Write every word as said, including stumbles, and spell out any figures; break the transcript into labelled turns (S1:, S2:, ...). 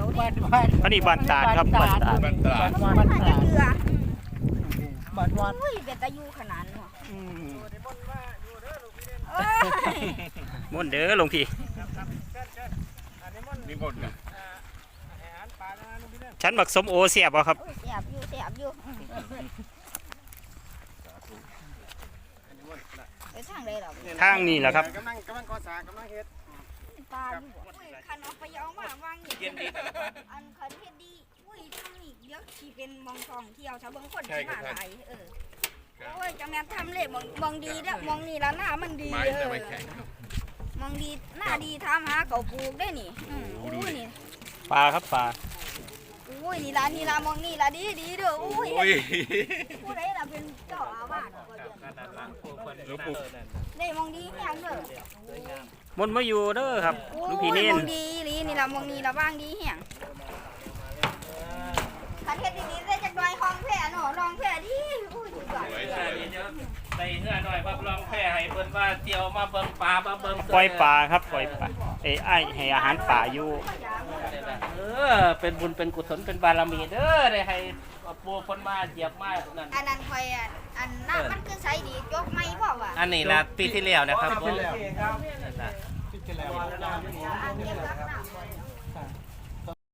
S1: ยวดิ
S2: บ้านบ้าน
S3: อันนี้บ้านตาดครับบ้านตาด
S4: บ้านตราด
S2: บ้าน
S1: มั
S2: บ้าน น
S1: น่า
S2: ตา
S1: จะ
S2: ด
S1: เกลือ
S2: บ้านวัด
S1: อุ้ยเป็นตะยูขนาดเนาะ
S3: อืม
S1: เอ้ย
S3: ม่วนเด้อหลวงพี่
S4: นิมนต์นะ
S3: ฉันบักสมโอเสียบบ่ครับ
S1: โอ้ยแสบอยู่แสบอยู่ไปทางใดหรอ
S3: ทางนี้แหละครับ
S4: กำลังกำลังก่อสร้างกำลังเฮ็ด
S1: ปลาอยู่อุ้ยคันเอาไปเอามาวางอย่างนี้อันคันเฮ็ดดีอุ้ยทางนี้เดี๋ยวที่เป็นมองทองเที่ยวชาวเบิ่งคนที่มาหลายเออโอ้ยจังแม่นทำเลยมองมองดีแล้วมองนี่ละหน้ามันดี
S4: ไม้
S1: เอ
S4: แต่
S1: อ
S4: ไม่แข็ง
S1: มองดีหน้าดีทำหาเขาปลูกได้นี่อืมอุ้ยนี่
S3: ปลาครับปลา
S1: อุ้ยนี่ละนี่ละมองนี่ละดีดีเด้ออุ้ย
S4: โอ้ย
S1: ผู้ใดล่ะเป็นเจ้าอาวาสก็เดือน
S4: หลวงปู่
S1: ได้มองดีแฮงเด้อ
S3: มนต์มาอยู่เด้อครับ
S1: โอ้
S3: หลูก
S1: ย
S3: พี่เน้น
S1: มองดีอีหลีนี่ละมองนี่ละว่างดีแฮงคันเฮ็ดดีๆได้จักหน่อยห้องแพ้เนาะรองแพ้ดีอุ้ยสุดยอด
S4: สวยส
S5: ใส่
S4: วย
S5: เดี๋ยวใส่เนื้อหน่อยว่าลองแพร่ให้เบิ่นว่าเตียวมาเบิ่งปลามาเบิ่ง
S3: ปล่อยปลาครับปล่อยปลาเอ้ยไอ้ให้อาหารป่าอยู่
S5: เออเป็นบุญเป็นกุศลเป็นบารมีเด้อได้ให้ปูคนมาเหยียบมานั่น
S1: อันนั้นคอยอันอันน้ำมันคือใสดีจกไม่พ่อว่ะ
S5: อันนี้ละปีที่แล้วนะครับผม
S1: อันเก็บ